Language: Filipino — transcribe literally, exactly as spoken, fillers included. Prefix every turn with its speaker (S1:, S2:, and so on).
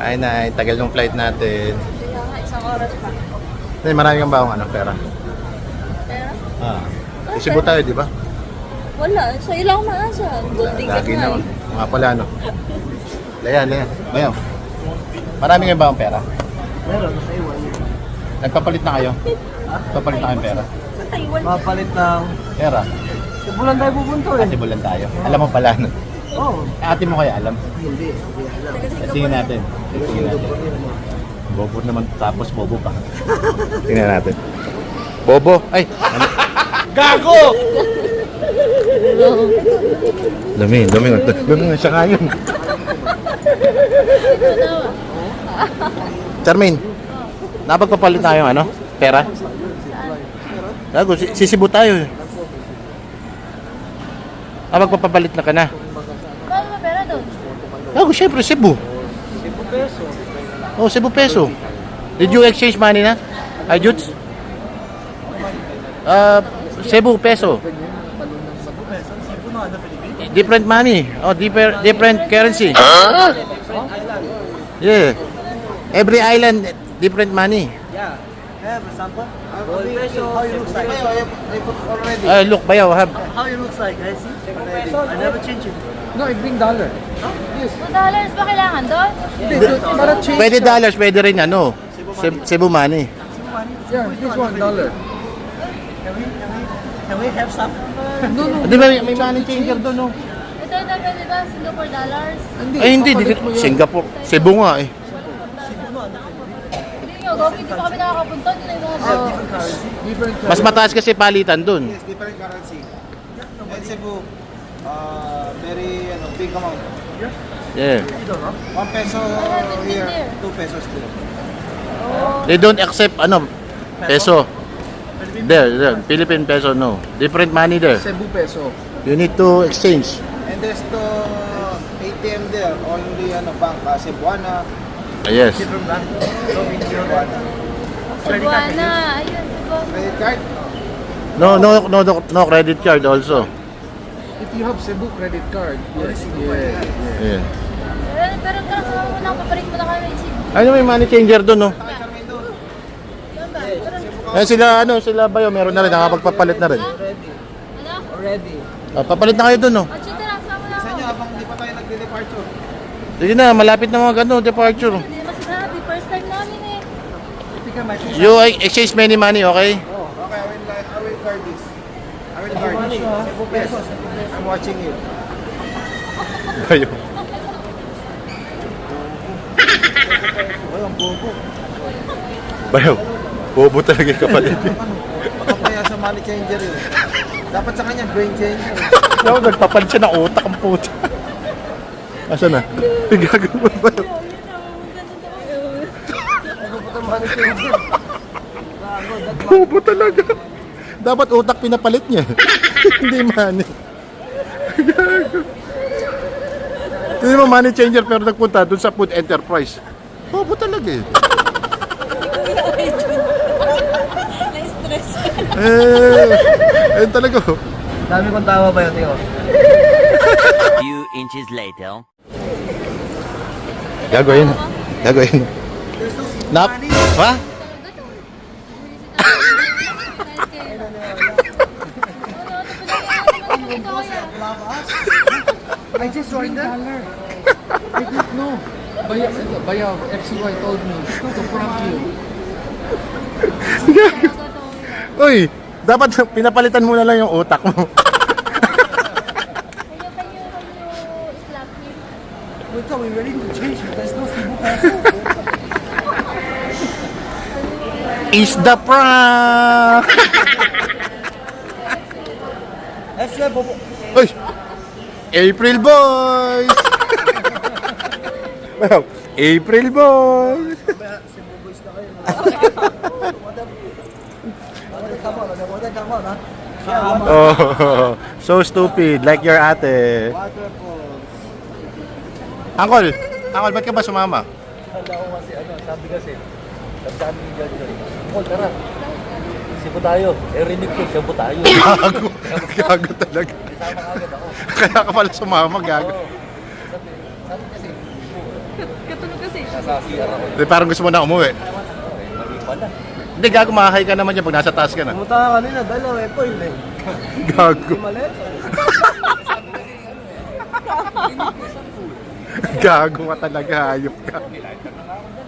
S1: Ay, na, tagal ng flight natin.
S2: Kaya nga, isang oras pa.
S1: Ay, marami kang baong ano, pera.
S2: Pero,
S1: Ah. Isibo tayo, di ba?
S2: wala. Sa ilang maasa. Gold ticket
S1: Lagi
S2: na
S1: naman.
S2: eh.
S1: Mga pala, no? Layan, layan. Bayaw. Marami kang baong pera.
S3: Meron, sa Taiwan.
S1: Nagpapalit na kayo? Papalit na kayong pera?
S2: Sa Taiwan.
S3: Mapalit ng...
S1: Pera?
S3: Sa bulan tayo pupunto eh.
S1: Ate bulan tayo. Alam mo pala, no?
S3: Oo.
S1: Eh, ate mo kaya alam?
S3: Hindi, hindi alam.
S1: Tingnan natin. Tingnan natin. Bobo naman tapos bobo pa. Tingnan natin. Bobo. Ay! Ano? Gago! Dami, dami. Dami nga siya ngayon. Charmaine, napagpapalit tayo ano? Pera? Gago, si- sisibo tayo eh. Napagpapalit na ka na.
S2: Paano ba pera doon?
S1: Gago, syempre, Cebu.
S3: Cebu peso.
S1: Oh, Cebu peso. Did you exchange money na? Ay, Juts? Uh, Cebu peso.
S3: Cebu peso? Cebu no, ano, Philippines?
S1: Different money. Oh, different different currency.
S3: Different island.
S1: Yeah. Every island different money.
S3: Yeah. Yeah, for example, gold peso, how it looks like. I put already.
S1: Uh, look, bayaw, have.
S3: How it looks like, guys. I never change it.
S4: No, I bring dollar.
S2: two dollars ba kailangan doon?
S4: Hindi, para change.
S1: Pwede dollars, pwede rin ano. Cebu, Cebu money.
S4: Yeah, this one dollar.
S3: Can we, can we, can we have some?
S4: No, no.
S1: Di ba may, may money changer doon, no?
S2: Ito na pwede ba? Singapore dollars?
S4: Hindi,
S1: Ay, hindi. di,
S4: papalit mo yun.
S1: Singapore. Cebu nga eh.
S2: Hindi nyo, Gogi, hindi pa kami nakakapunta. Hindi na yung mga
S3: Have different currency.
S4: Different
S1: Mas mataas kasi palitan doon.
S5: Yes, different currency. And Cebu, uh, very ano, big amount.
S1: Yeah.
S3: You don't know?
S5: One peso
S2: haven't been
S5: here,
S2: there.
S5: two pesos there.
S1: They don't accept ano, peso. There, there. Philippine peso, no. Different money there.
S4: Cebu peso.
S1: You need to exchange.
S5: And there's the A T M there, only ano, bank, uh, Cebuana,
S1: Ah, yes.
S3: Different bank. So, in
S5: Cebuana.
S2: Cebuana. Ayun, diba?
S5: Credit card?
S1: No, no, no, no, no credit card also.
S4: If you have Cebu credit card, yes, yeah, yeah.
S1: Yeah.
S2: Pero, pero tara, sama mo na, papalit mo na kami. Sige.
S1: Ano may money changer doon, no?
S2: Yan ba? Tara.
S1: Eh, sila, ano, sila ba yun? Meron na rin, nakapagpapalit na rin.
S3: Already.
S2: Ano?
S3: Already.
S1: Ah, papalit na kayo doon, no?
S2: O, chita lang, sama na
S5: Sa
S2: ako.
S5: inyo, habang hindi pa tayo nagde-departure.
S1: Sige na, malapit na mga gano, departure.
S2: Hindi naman sila happy. First time namin eh.
S3: Tika, my fish.
S1: You uh, exchange many money, okay?
S5: Oh, okay, I will, I will guard this. I will guard
S3: Money,
S5: this.
S3: Cebu peso.
S5: I'm watching you.
S1: Kayo.
S5: Ay, ang bobo.
S1: Bayaw, bobo talaga yung kapalit.
S5: Ano, baka kaya sa money changer yun. Dapat sa kanya, brain changer.
S1: Ako, nagpapalit siya ng utak ang puta. Asan na? Gagawin ba yun?
S3: Ano po itong money changer?
S1: Bobo talaga. Dapat utak pinapalit niya. Hindi money. Hindi mo money changer pero nagpunta dun sa food enterprise. Bobo talaga eh.
S2: Na-stress.
S1: Eh, ayun talaga. oh.
S3: Dami kong tawa ba yun, Tio?
S6: Few inches later.
S1: Gagawin. Gagawin. Nap? Ha?
S4: I just ordered dollar. I didn't know. Bayaw, Bayaw, F C Y told me to prank you.
S1: Uy, dapat pinapalitan mo na lang yung utak mo.
S2: Kayo, kayo, kayo, slap me.
S3: Wait, we ready to change it. There's no Cebu peso.
S1: Is the prank!
S3: F C Y, bobo.
S1: Uy! April Boys! Wow, April Boys!
S3: Cebu boys na kayo. Come on, come on, ha? Come on.
S1: Oh, so stupid, like your ate.
S3: Waterfalls.
S1: Uncle, Uncle, ba't ka ba sumama?
S3: Handa ko kasi, ano, sabi kasi, sabi sa amin ni John John, Paul, tara. Cebu tayo. Eh, rinig ko, Cebu tayo.
S1: Gago, gago talaga.
S3: Isama agad ako.
S1: Kaya ka pala sumama, gago.
S3: Oo. Sabi, sabi kasi,
S2: Kasi,
S3: Nasa C R ako.
S1: Di, parang gusto mo na umuwi.
S3: Mali pala.
S1: Hindi, gago, makahay ka naman yan pag nasa taas ka na.
S5: Pumunta ka kanina, dalawa eh, po yun eh.
S1: Gago.
S5: Mali.
S1: Gago ka talaga, hayop ka.